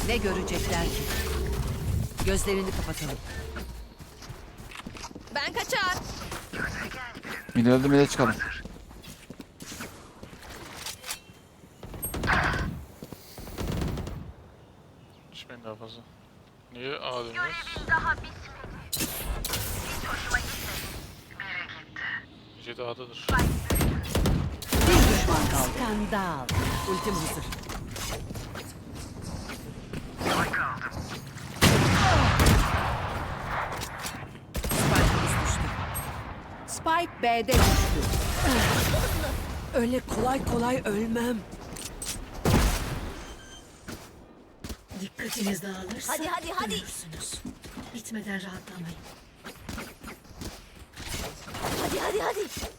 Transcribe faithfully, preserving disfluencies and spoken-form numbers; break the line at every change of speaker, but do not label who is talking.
Ne görecekler ki? Gözlerini kapatalım.
Ben kaçar.
Mide öldü, mide çıkalım.
Düşmeyin daha fazla. Niye A dönüyoruz? Jet A'dadır.
Bir düşman kaldı. Skandal. Ultim hazır. Spike'ımız düştü. Spike B'de düştü. Öyle kolay kolay ölmem.
Dikkatiniz dağılırsa
Hadi, hadi, hadi.
ölürsünüz. Bitmeden rahatlamayın.
Hadi hadi hadi.